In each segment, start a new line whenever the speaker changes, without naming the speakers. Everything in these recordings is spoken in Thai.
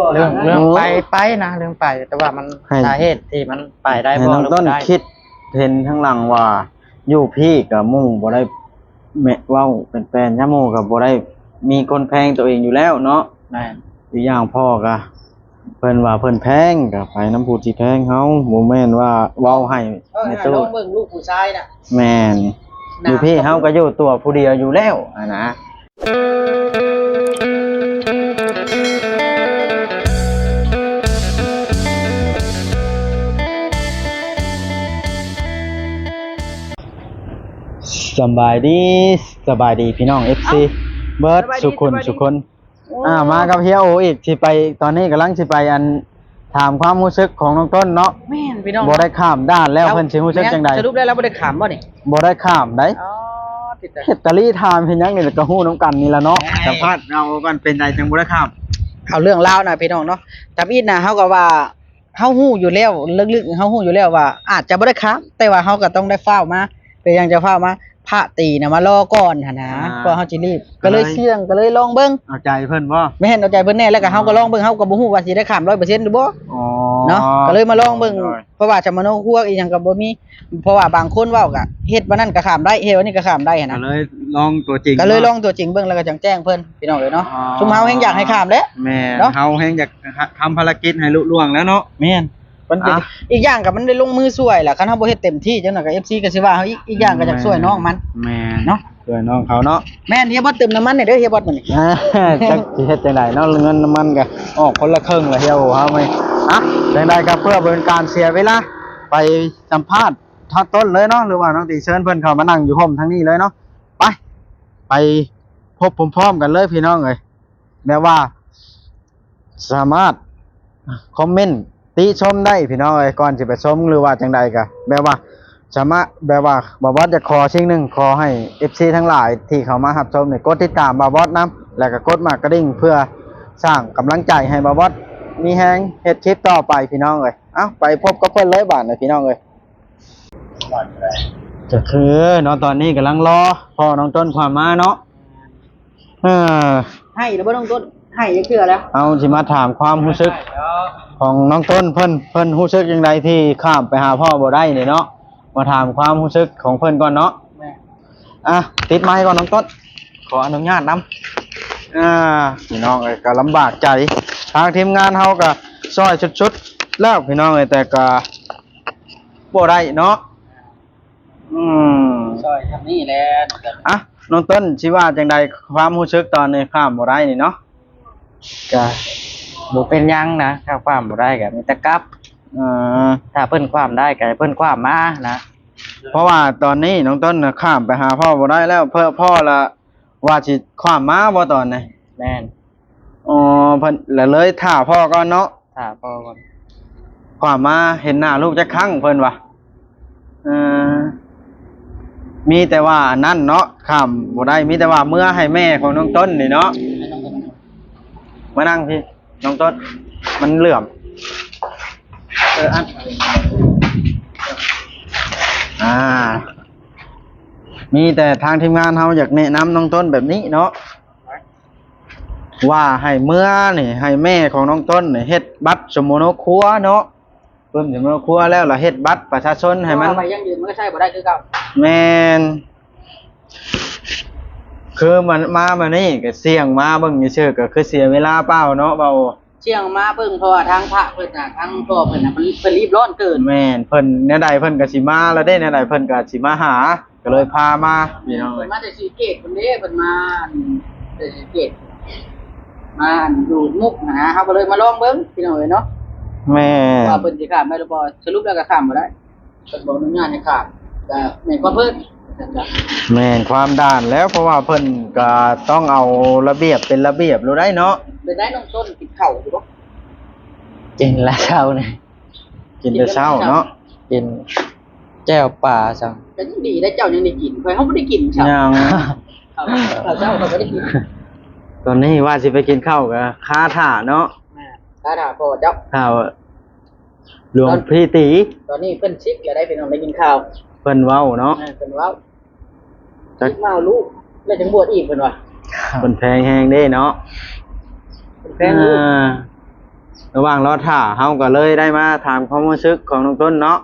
เรื่องไปนะเรื่องไปแต่ว่ามันสาเหตุที่มันไปได้บ่หรือ
ต้น
บ่ได้
คิดเห็นข้างหลังว่าอยู่พี่กับหมู่บ่ได้แม่เว้าเป็นแฟนย่าหมู่กับบ่ได้มีคนแพงตัวเองอยู่แล้วเนาะ
แม่น
อีกอย่างพ่อก็เพิ่นว่าเพิ่นแพงก็ไปน้ำผู้ที่แพงเฮาบ่แม่นว่าเว้าให้ในตู้
ลองเบิ่งลูกผู้ชายน่ะ
แม่นอยู่พี่เฮาก็อยู่ตัวผู้เดียวอยู่แล้วนะสบายดีพี่น้อง FC เบิร์ดสุคนมากับเฮียโออีกสิไปตอนนี้กำลังสิไปอันถามความรู้สึกของน้องต้นเนาะ
แม่นพี่น้อง
บ่ได้ข้ามด้านแล้วเพิ่นสิรู้สึกจังได๋
สรุปได้แล้วบ่ได้ขามบ่นี่
บ่ได้ข้ามได้
อ๋อติดแต่
เฮ็ดตะลี่ถามเฮ็ดหยังนี่ก็ฮู้นำกันนี่ล่ะเนาะสัมภาษณ์เรากันเป็นใดจังบ่ได้ข้าม
เอาเรื่องราวน่ะพี่น้องเนาะตามอีดน่ะเฮาก็ว่าเฮาฮู้อยู่แล้วลึกๆเฮาฮู้อยู่แล้วว่าอาจจะบ่ได้ขามแต่ว่าเฮาก็ต้องได้ฟ้าวมาเป็นหยังจะฟ้าวมาพระตีน่ะมารอก่อนหั่นนะเพราะเฮาสิรีบก็เลยเสี่ยงก็เลยลองเบิ่ง
เอาใจเพิ่นบ่
แม่นเอาใจเพิ่นแน่แล้วก็เฮาก็ลองเบิ่งเฮาก็บ่ฮู้ว่าสิได้ขาม 100% หรือบ่
อ๋อ
เนาะก็เลยมาลองเบิ่งเพราะว่าจะมาโนครัวอีหยังก็บ่มีเพราะว่าบางคนเว้าก็เฮ็ดวันนั้นก็ข้ามได้เฮ็ดวันนี้ก็ข้ามได้หั่นนะ
ก็เลยลองตัวจริง
ก็เลยลองตัวจริงเบิ่งแล้วก็จังแจ้งเพิ่นพี่น้องเอ้ยเนาะซุมเฮาแฮงอยากให้ข้ามเด้
แม่นเฮาแฮงอยากทำภารกิจให้ลุล่วงแล้วเนาะ
แม่นมันเป็นอีกอย่างก็มันได้ลงมือช่วยล่ะคันเฮาบ่เฮ็ดเต็มที่จังนั้นก็ FC ก็สิว่าเฮาอีกอย่างก็อยากช่วยน้องมัน
แม่น
เนาะ
ช่วยน้องเขาเนาะ
แม่นเฮียบ่เติมน้ำมันนี่เด้อเฮียบ่มื้อนี้
จักสิเฮ็ดจังได๋เนาะเงินน้ำมันก็ออกคนละครึ่งละเฮียโอ้เฮาไหมจังได๋ก็เพื่อเป็นการเสียเวลาไปสัมภาษณ์ทัดต้นเลยเนาะหรือว่าน้องติเชิญเพิ่นเข้ามานั่งอยู่พร้อมทางนี้เลยเนาะไปพบพร้อมๆกันเลยพี่น้องเอ้ยแม้ว่าสามารถคอมเมนต์ติชมได้พี่น้องเอ้ยก่อนสิไปชมหรือว่าจังใดก็แบบว่าสามารถแบบว่าบ่าวบอสจะขอสิ่งหนึ่งขอให้ FC ทั้งหลายที่เข้ามารับชมเนี่ยกดติดตามบ่าวบอสนำแล้วก็กดมากระดิ่งเพื่อสร้างกำลังใจให้บ่าวบอสมีแฮงเฮ็ดคลิปต่อไปพี่น้องเอ้ยไปพบกับเพิ่นเลยบาดนี้พี่น้องเอ้ยก็คือเนาะตอนนี้กำลังรอพ่อน้องต้นความมาเนาะ
ให้แล้วบ่ต้องต้นให้จักเทื่อแล้ว
เอาสิมาถามความรู้สึกของน้องต้นเพิ่นรู้สึกจังไดที่ข้ามไปหาพ่อบ่ได้นี่เนาะมาถามความรู้สึกของเพิ่นก่อนเนาะติดไมค์ก่อนน้องต้นขออนุญาตนำพี่น้องเอ้ยก็ลำบากใจทางทีมงานเฮาก็ช่วยชุดๆแล้วพี่น้องเอ้ยแต่ก็บ่ได้เนาะ
ช่วยทำนี่แหละ
น้องต้นสิว่าจังไดความรู้สึกตอนนี้ข้ามบ่ได้นี่เนาะ
ก็บ่เป็นหยังนะถ้าความบ่ได้ก็มีแต่กลับถ้าเพิ่นความได้ก็ให้เพิ่นความมานะ
เพราะว่าตอนนี้น้องต้นน่ะข้ามไปหาพ่อบ่ได้แล้วเพิ่นพ่อละว่าสิความมาบ่ตอนนี้
แม่น
เพิ่นเลยท่าพ่อก่อนเนาะ
ท่าพ่อก่อน
ความมาเห็นหน้าลูกจักครั้งเพิ่นว่ามีแต่ว่านั่นเนาะข้ามบ่ได้มีแต่ว่าเมื่อให้แม่ของน้องต้นนี่เนาะมานั่งพี่น้องต้นมันเหลื่อมมีแต่ทางทีมงานเฮาอยากแนะนำน้องต้นแบบนี้เนาะว่าให้เมื่อนี่ให้แม่ของน้องต้นนี่เฮ็ดบัตรสมโนครัวเนาะเพิ่นสมโนครัวแล้วล่ะเฮ็ดบัตรประชาชนให้มัน
ไปยังยืนมันก็ใช่บ่ได้คือเก่า
แม่นคือมันมานี่ก็เสี่ยงมาเบิ่งซื่อๆก็คือเสียเวลาเปล่าเนาะเบา
เสี่ยงมาเบิ่งเพราะว่าทางพระเพิ่นน่ะทางพ่อเพิ่นน่ะมันเพิ่นรีบร้อนเกิน
แม่นเพิ่นแนวใดเพิ่นก็สิมาแล้วเด้แนวใดเพิ่นก็สิมาหาก็เลยพามาพี่น้อง
เพิ่นมาแต่ศรีเกตเพิ่นเด้เพิ่นมาแต่ศรีเกตมาดูมุกนะเฮาก็เลยมาลองเบิ่งพี่น้องเอ้ยเนาะ
แม่
ว่าเพิ่นสิข้ามได้หรือบ่สรุปแล้วก็ข้ามบ่ได้เพิ่นบ่อนุญาตให้ข้ามก็แม่นความเพิ่น
แม่นความด่านแล้วเพราะว่าเพิ่นก็ต้องเอาระเบียบเป็นระเบียบรู้ได้เนาะ
เป็นได้น้องต้นกินข้าวอยู่บ่
กินแล้วเช้านี่
กินแต่เช้าเนาะ
กินแจ่วปลาจัง
ก็ยังดีได้เจ้ายังได้กินข่อยเฮาบ่ได้กินเช้า
ยัง
ข้าวเช้าเขาบ่ได้กิน
ตอนนี้ว่าสิไปกินข้าวก็ค้าถ่าเนาะ
ค้าถ่าพ่อเจ้า
ข้าวหลวงพี่ตี
ตอนนี้เพิ่นชิกแล้วได้พี่น้องได้กินข้าว
เพิ่นเว้าเนาะ
เพิ่นเว้าจักมาลูกแล้วจังบวชอีกเพิ่นว่า
เพิ่นแพงแฮงเด้เนาะ
เพิ่นแพงลูก
ระหว่างรอท่าเฮาก็เลยได้มาถามความรู้สึกของน้องต้นเนาะ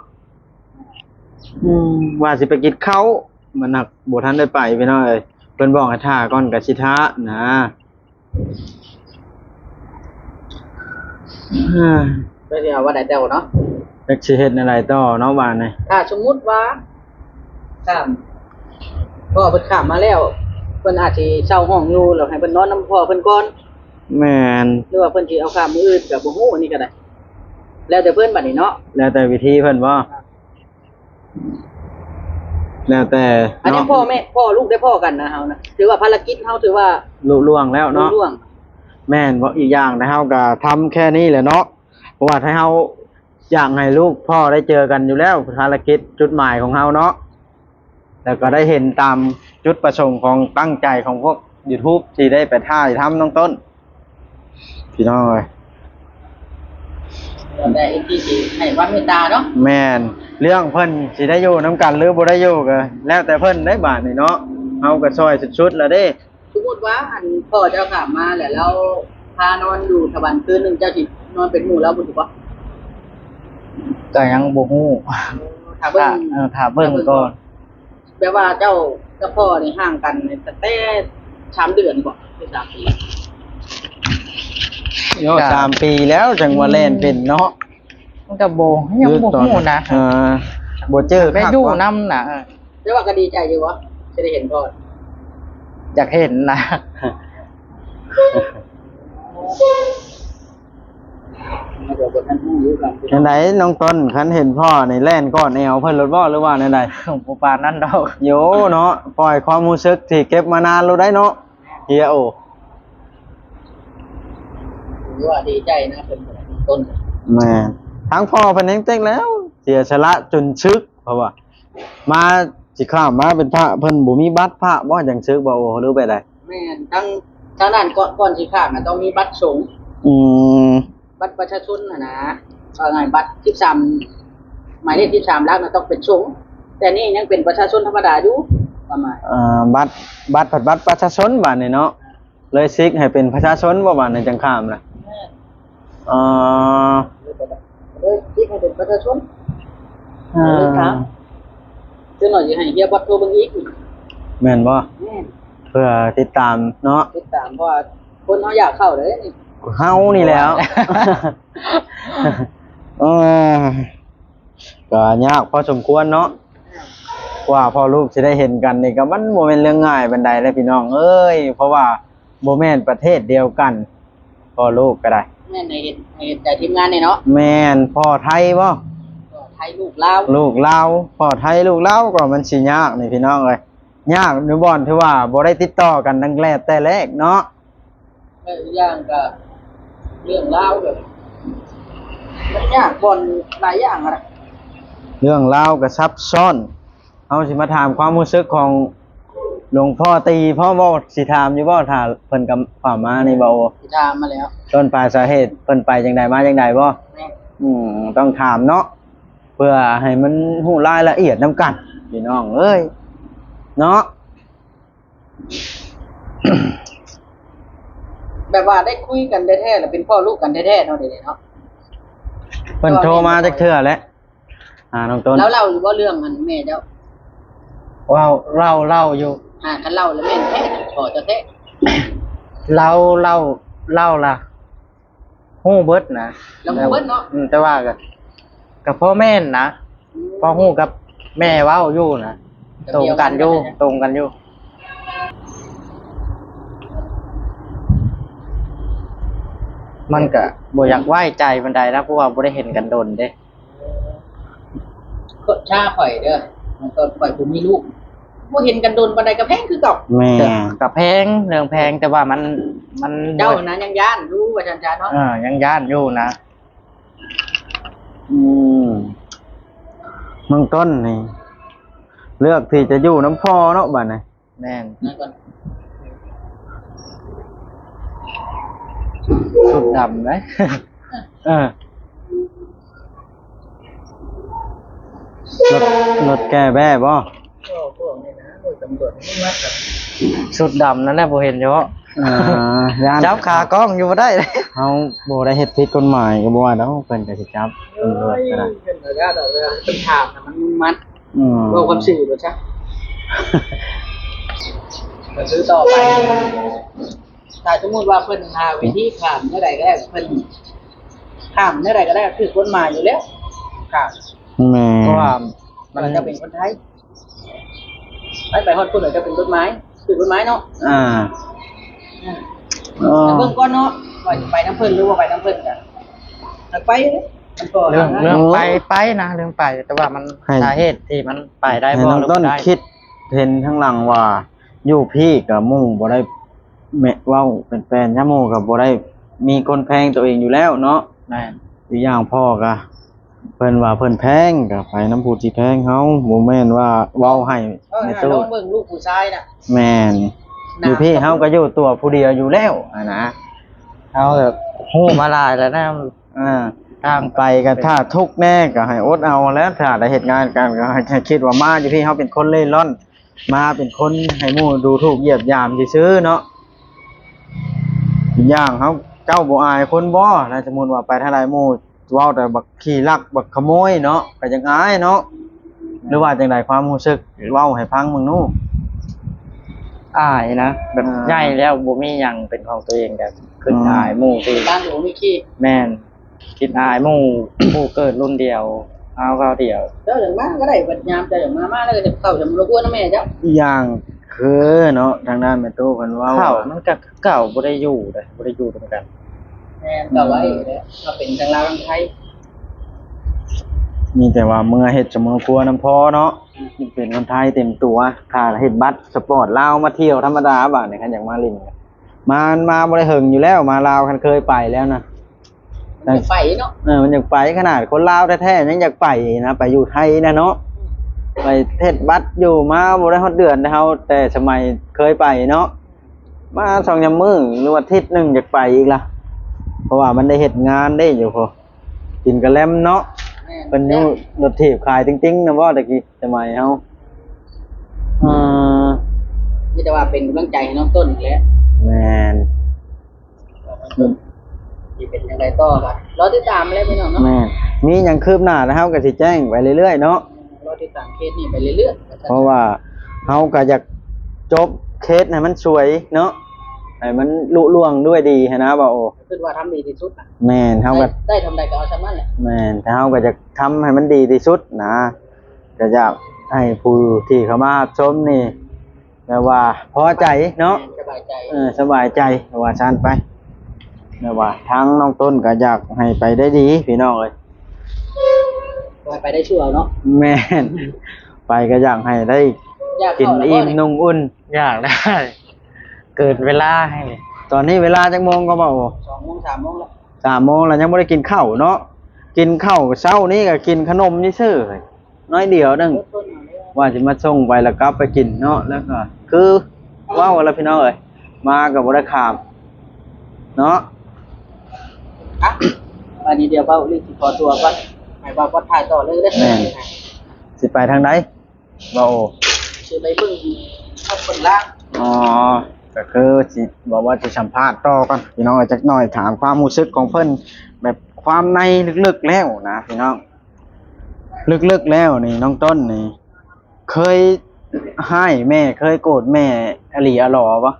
ว่าสิไปกินข้าวมันหนักบ่ทันได้ไปพี่น้องเอ้ยเพิ่นบอกให้ท่าก่อนก็สิท่านะ
เดี๋ยวว่าได้แต่วเนาะ
จักสิเฮ็ดอะไรต่อเนาะว่านี่
ถ้าสมมุติว่าข้ามพ่อเพิ่นข้ามมาแล้วเพิ่นอาจสิเช่าห้องอยู่แล้วให้เพิ่นนอนนํพ่อเพิ่นก่อน
แม่น
หรือว่าเพิ่นสิเอาข้ามมื้ออื่นก็บ่ฮู้อันนี้ก็ได้แล้วแต่เพิ่นบัดนี้เนาะ
แล้วแต่วิธีเพิ่นบ่แล้วแต่
อันนี้
เนาะ
พ่อแม่พ่อลูกได้พ่อกันนะเฮานะถือว่าภารกิจเฮาถือว่า
ลุล่วงแล้วเนาะ
รุ่งร่วง
แม่นบ่อีกอย่างนะเฮาก็ทำแค่นี้แหละเนาะเพราะว่าถ้าเฮาอยากให้ลูกพ่อได้เจอกันอยู่แล้วภารกิจจุดหมายของเฮาเนาะแล้วก็ได้เห็นตามจุดประสงค์ของตั้งใจของพวก YouTube ที่ได้ไปถ่ายทำน้องต้นพี่น้องเอ้ย
แล้วแต่อีกที่สิให้ความเมตตาเนาะ
แม่นเรื่องเพิ่นสิได้อยู่นํกันหรือบ่ได้อยู่ก็แล้วแต่เพิ่นได้บาดนี่เนาะเฮาก็ช่วยสุดๆแล้วเด้
สมมุติว่าอันพ่อเจ้าข้ามมาแล้วเราพานอนอยู่ทวันคืนหนึงเจ้าสินอนเป็นหมู่เราบ่ถูกบ่
ก็ยังบ่ฮู้
ถ้าเบิ่ง
ถ้าเบิ่งก่อน
แปลว่าเจ้ากับพ่อนี่ห่างกันตั้งแต่3 เดือนบ่หรือ3 ปี
โย3 ปีแล้วจังว่าเล่นเป็นเนาะ
มันก็บ่ยังบ่ฮู้นะ
บ่เจอ
ไปอยู่นำน่ะ
แต่ว่าก็ดีใจอยู่บ่จะได้เห็นพ่อ
อยากเห็นนะ
มาเดี๋ยวบ่ทันฮู้อยู่กัน
จังไดน้องต้นคันเห็นพ่อนี่แล่นก้อนแอวเพิ่นรถบ่หรือว่าจังได
บ่ปานนั้นดอก
โยเนาะปล่อยความรู้สึกที่เก็บมานานแล้วได้เนาะเฮียโอ
ถือว่าดีใจนะเป็นต้น
แม่ทั้งพ่อเพิ่นยังเต็กแล้ว เสียสละจนชึกเพราะว่า มาสิข้ามมาเป็นพระเพิ่นบ่มีบัตรพระบ่จังชึกบ่โอ้หรือไปได้
แม่นทั้งนั้นก่อนสิข้ามน่ะต้องมีบัตรสงฆ์
อืม
บัตรประชาชนนะว่าไงบัตร13หมายเลข13หลักน่ะต้องเป็นสงฆ์แต่นี่ยังเป็นประชาชนธรรมดาอยู่ประมาณ
บัตรประชาชนบัดนี้เนาะเลยซิกให้เป็นประชาชนบ่บัดนี้จังข้ามล่ะอ่า
เลยคิดให้เป็นประชาชนเลยครับคือหน่อยสิให้เฮียบัตรโทรเบิ่งอีก
แม่นบ่
แม่น
เพื่อติดตามเนาะ
ติดตามเพราะว่าคนเฮาอยากเข้าเลยนี่
เฮานี่แล้ว เออก็ยากพอสมควรเนาะกว่าพ่อลูกจะได้เห็นกันนี่ก็มันบ่แม่นเรื่องง่ายปานใดเลยพี่น้องเอ้ยเพราะว่าบ่แม่นประเทศเดียวกันพ่อลูกก็ได้
แม่นให้เห็นใจทีมงานนี่เนาะ
แม่นพ่อไทยบ่
ก็ไทยลูกลาว
ลูกลาวพ่อไทยลูกลาวก็มันสิยากนี่พี่น้องเอ้ยยากในบ่อนที่ว่าบ่ได้ติดต่อกันตั้งแต่แรกเนาะ
แล้วอีกอย่างก็เรื่องลาวก็มันยากบ่อนหลายอย่างอะนะ
เรื่องราวก็ซับซ้อนเอาสิมาถามความรู้สึกของหลวงพ่อตีพ่อบ่สิถามอยู่บ่ถ้าเพิ่นกับฝ่ามานี่บ่
ที่ถามมาแล้ว
ต้นปลายสาเหตุเพิ่นไปจังใดมาจังใดบ่
แม่
ต้องถามเนาะเพื่อให้มันฮู้รายละเอียดนํกันพี่น้องเอ้ยเนาะ
แบบว่าได้คุยกันแท้ๆแล้วเป็นพ่อลูกกันแท้ๆเนาะเดี๋ยวนี้เนาะ
เพิ่นโทรมาจักเทื่อแล้วน้องต้น
แล้วเล่าอยู่ว่าเรื่องมันแม่เจ้า
ว้าวเล่าอยู่
คันเล่าแล้วแม่นแท้พอจะแท้
เล่าล่ะฮู้เบิดนะ
แล้วฮู้เบิดเนาะ
แต่ว่าก็พ่อแม่นนะพ่อฮู้กับแม่เว้าอยู่นะตรงกันอยู่มันก็บ่อยากไว้ใจปานใดนะเพราะว่าบ่ได้เห็นกันโดนเด้
ก็ชาข่อยเด้อมันก็ข่อยบ่มีลูกบ่เห็นกันโดนปานใดก็แพงคือเก่า
แม่
กับแพงเรื่องแพงแต่ว่ามัน
เจ้านั้นยังย่านรู้ว่าจันจาเนาะ
ยังย่านอยู่นะ
น้องต้นนี่เลือกที่จะอยู่น้ำพ่อเนาะบัดนี้
แม่น
นั่นก่อน
สุดดำเลย
รถแก้แบ้บ่
พวกนี่นะโดยตำรวจนี่มากับ
สุดดำนั่นแหละบ่เห็นเยอะ
ย่าน
จับขากล้องอยู่บ่ได้เลย
เฮาบ่ได้เฮ็ดผิดกฎหมายก็บ่ว่าดอกเพิ่นก็สิจับตำรวจก็ได้
เป็นระยะเป็นถามมันมัด
อืม
ว่าความสื่อหรือใช่มาซื้อต่อไปถ้าสมมติว่าเพิ่นหาวิธีข้ามเมื่อใดก็ได้เพิ่นข้ามเมื่อใดก็ได้คือกฎหมายอยู่แล้วข้าม
แม่
เพราะว่า
มันจะเป็นคนไทยไปฮอดคนไหนจะเป็นกฎหมายคือกฎหมายเนาะ
อ่า
แต่เบิ่งก่อนเนาะว่าจะไปน้ำเพิ่นหรือว่าไปน้ำเพิ่นกันถ้าไปมันก็
เรื่องไปนะเรื่องไปแต่ว่ามันสาเหตุที่มันไปได้
ให้
บ่
น้อง
หรือ
ต้น
บ่ได้
คิดเห็นข้างหลังว่าอยู่พี่กับหมู่บ่ได้แม่เว้าเป็นแฟนยะหมู่กับบ่ได้มีคนแพงตัวเองอยู่แล้วเนาะ
แม่น
อีกอย่างพ่อก็เพิ่นว่าเพิ่นแพงก็ไปน้ำผู้ที่แพงเฮาบ่แม่นว่าเว้าให้
ใน
ใน
ตู้
ตู้
เบิ่งลูกผู้ชายน่ะ
แม่นอยู่พี่เฮาก็อยู่ตัวผู้เดียวอยู่แล้วนะ
เอาแบบฮู้มาหลายแล้วนะ
อ่า
ทาง
ไปก็ถ้าทุกข์แน่ก็ให้อดเอาแล้วถ้าได้เฮ็ดงานกันก็ให้คิดว่ามาอยู่พี่เฮาเป็นคนเล่ร่อน มาเป็นคนให้หมู่ดูถูกเหยียบยามซื่อๆเนาะอีกอย่างเฮาเจ้าบ่อายคนบ่ถ้าสมมุติว่าไปทางใดหมู่เว้าแต่บักขี้ลักบักขโมยเนาะก็จังอายเนาะหรือว่าจังไดความรู้สึกเว้าให้ฟังมึงนู้
อายนะแบบ
อ่า
ใหญ่แล้วบ่มีหยังเป็นของตัวเองแบบขึ้นอายหมู่ที่
บ้านหนูมีขี้
แม่นคิดอายหมู่ หมู่เกิดรุ่นเดียวเอาเขาเดียว
เจ้าอย่างมาก็ได้บัดยามเจ้าอย่างมาแล้วก็จะเข้าจะมารบกวนนะแม่เจ้า
อีกอย่างคือเนาะทางด้านแม่ตู้เพิ่นเว้า
เข้ามันก็เก่าบ่ได้อยู่เลยบ่ได้อยู่ตรงกัน
แม่ก็ไว้แล้วมาเป็นทางลาวทางไทย
มีแต่ว่าเมื่อเฮ็ดเสมอครัวน้ำพอเนาะนี่เป็นคนไทยเต็มตัวถ้าเฮ็ดบัตรสปอร์ตลาวมาเที่ยวธรรมดาบาดนี่คันอยากมาลินก็มาบ่ได้เฮิงอยู่แล้วมาลาวคันเคยไปแล้วนะ
มันจะไฟเนาะ
มันอยากไปขนาดคนลาวแท้ๆยังอยากไปนะไปอยู่ไทยนะเนาะไปเฮ็ดบัตรอยู่มาบ่ได้ฮอดเดือนเฮาแต่สมัยเคยไปเนาะมา2-3มื้อหรือว่าอาทิตย์หนึงอยากไปอีกล่ะเพราะว่ามันได้เฮ็ดงานได้อยู่พอกินกะแลมเนาะ
แม่
เป็นอยู่รถถีบขายติ้งๆนะว่าตะกี้สมัยเฮาอ่า
นี่แต่ว่าเป็นกำลังใจให้น้องต้นแหละ
แม่น
ที่เป็นยังไงต่อครับรอติดตามเลยพี่น้องเนาะ
แม่นมีหยังคืบหน้านะเฮาก็สิแจ้งไปเรื่อยๆเนาะ
รอติดตามเคสนี้ไปเรื่อยๆ
เพราะว่าเฮาก็อยากจบเคสให้มันสวยเนาะให้มันลุล่วงด้วยดีหั้นนะบ่าโอ
คิดว่าทำดีที่สุดนะ
แม่นเฮาก็
ได้ทำใดก็เอาชนั่นแหละ
แม่นแต่เฮาก็จะทำให้มันดีที่สุดนะก็อยากให้ผู้ที่เข้ามาชมนี่แบบว่าพอใจเนาะ
สบายใจ
สบายใจว่าซั่นไปแต่ว่าทางน้องต้นก็อยากให้ไปได้ดีพี่น้องเอ้ย
ไปได้ชั่วเนาะ
แม่นไปก็อยากให้ได้
อยาก
กิน
เข้าแล้ว
อิ่มนุ่งอุ่น
อยากได้ เกิดเวลาให้เลย
ตอนนี้เวลาจักโมงก็บ่
2 โมง 3 โมงแล้ว
3 โมงแล้วยังบ่ได้กินข้าวเนาะกินข้าวเช้านี้ก็กินขนมซื่อๆน้อยเดียวนึง
ต้นเอาเลย
ว่าสิมาส่งไปแล้วกลับไปกินเนาะแล้วก็คือว้าวแล้วพี่น้องเอ้ยมาก็บ่ได้ข้ามเนาะ
อ่ะวันนี้เดี๋ยวเบ้ารีบขอตัวก่อนให้ว่าก็ถ่ายต่อเลยเด้อ
แม่นสิไปทางใดบ่โอ
สิไปเบิ่งข้างบนล่าง
อ๋อก็คือสิบอกว่าจะสัมภาษณ์ต่อกันพี่น้องจักหน่อยถามความรู้สึกของเพิ่นแบบความในลึกๆแล้วนะพี่น้องลึกๆแล้วนี่น้องต้นนี่เคยให้แม่เคยโกรธแม่อหลีอหลอปะ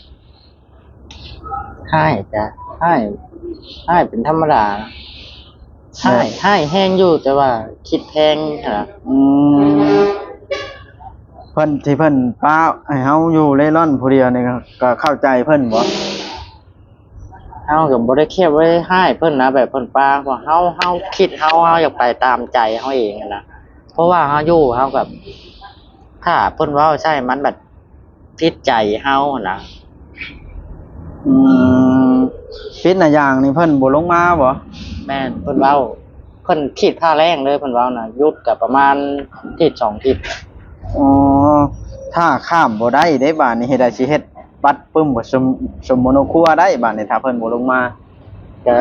ให้จ้ะให้เป็นธรรมดาให้แห้งอยู่แต่ว่าคิดแพงนะ
อืมเพิ่นที่เพิ่นป้าให้เฮาอยู่เร่ร่อนผู้เดียวนี่ก็เข้าใจเพิ่นบ่
เฮาก็บ่ได้เคียบไว้ให้เพิ่นนะแบบเพิ่นปาว่าเฮาคิดเฮาอยากไปตามใจเฮาเองอะนะเพราะว่าเฮาอยู่เฮาแบบถ้าเพิ่นเว้าใช่มันแบบผิดใจเฮาอะนะ
อืมปิดหน้าอย่างนี่เพิ่นบ่ลงมาบ่
แม่นเพิ่นเว้าเพิ่นคิดค่าแรงเลยเพิ่นเว้านะหยุดก็ประมาณทิศ2ทิศ
อ๋อถ้าข้ามบ่ได้ได้บาดนี้เฮ็ดได้สิเฮ็ดบัตรปึ้มบ่สมโมโนครัวได้บาดนี้ถ้าเพิ่นบ่ลงมา
ก็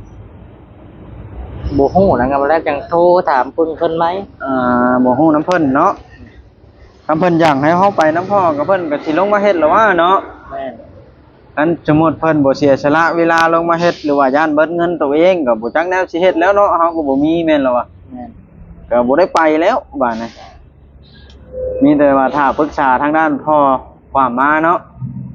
บ่ฮู้นะครับแล้วจังโทรถามเพิ่นไหม
บ่ฮู้น้ำเพิ่นเนาะคำเพิ่นอยากให้เฮาไปน้ำพ่อกับเพิ่นก็สิลงมาเฮ็ดแล้วว่าเนาะ
แม่น
คันสมมุติเพิ่นบ่เสียสละเวลาลงมาเฮ็ดหรือว่าย่านเบิดเงินตัวเองก็บ่จักแนวสิเฮ็ดแล้วเนาะเฮาก็บ่มีแม่นแล้วว่ะ
แม่น
ก็บ่ได้ไปแล้วบ้านนี้มีแต่ว่าถ้าปรึกษาทางด้านพ่อความมาเนาะ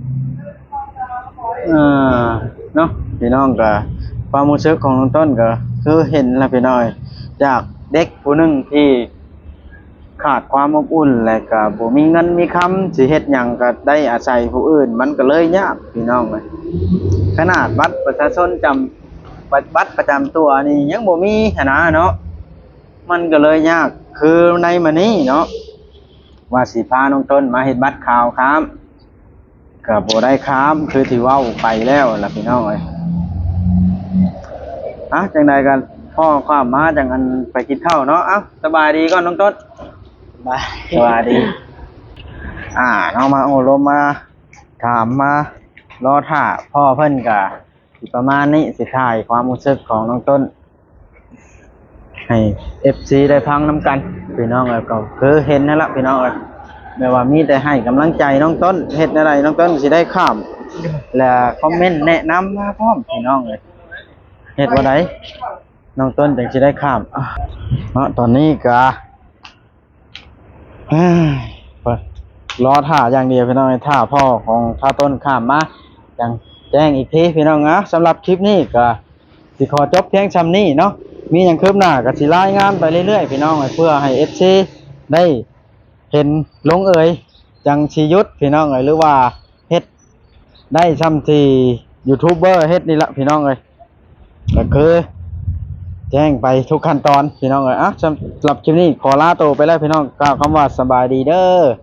เออเนาะพี่น้องก็ความรู้สึกของน้องต้นก็คือเห็นแล้วพี่น้อยจากเด็กผู้หนึงที่ขาดความอบอุ่นและก็บ่มีเงินมีคำสิเฮ็ดหยังก็ได้อาศัยผู้อื่นมันก็เลยยากพี่น้องเอ้ยขนาดบัตรประชาชนบัตรประจำตัวนี่ยังบ่มีหั้นนะเนาะมันก็เลยยากคือในมื้อนี้เนาะว่าสิพาน้องต้นมาเฮ็ดบัตรข่าวครับก็บ่ได้ครับคือที่เว้าไปแล้วล่ะพี่น้องเอ้ยจังใดกันพ่อความมาจังอันไปกินข้าวเนาะสบายดีก่อนน้องต้น
บาย
สวัสดีน้องมาโอ้ลมมาถามมารอท่าพ่อเพิ่นกะประมาณนี้สิถ่ายความรู้สึกของน้องต้นให้ FC ได้ฟังน้ำกันพี่น้องเอ้ยก็คือเห็นนั่นละพี่น้องเอ้ยไม่ว่ามีแต่ให้กำลังใจน้องต้นเฮ็ดอะไรน้องต้นสิได้ข้ามและคอมเมนต์แนะนำมาพร้อมพี่น้องเอ้ยเฮ็ดว่าไดน้องต้นจังสิได้ข้ามตอนนี้กะรอท่าอย่างเดียวพี่น้องท่าพ่อของท่าต้นข้ามมาอย่างแจ้งอีกทีพี่น้องนะสำหรับคลิปนี้ก็สิขอจบเพียงชำนี้เนาะมีอย่างคืบหน้าก็สิรายงานไปเรื่อยๆพี่น้องเพื่อให้ FC ได้เห็นลงเอยจังชียุทธพี่น้องหรือว่าเฮ็ดได้ซ้ำที่ยูทูบเบอร์เฮ็ดนี่ละพี่น้องก็คือแจ้งไปทุกขั้นตอนพี่น้องสำหรับคลิปนี้ขอลาตัวไปแล้วพี่น้องกล่าวคำว่าสบายดีเด้อ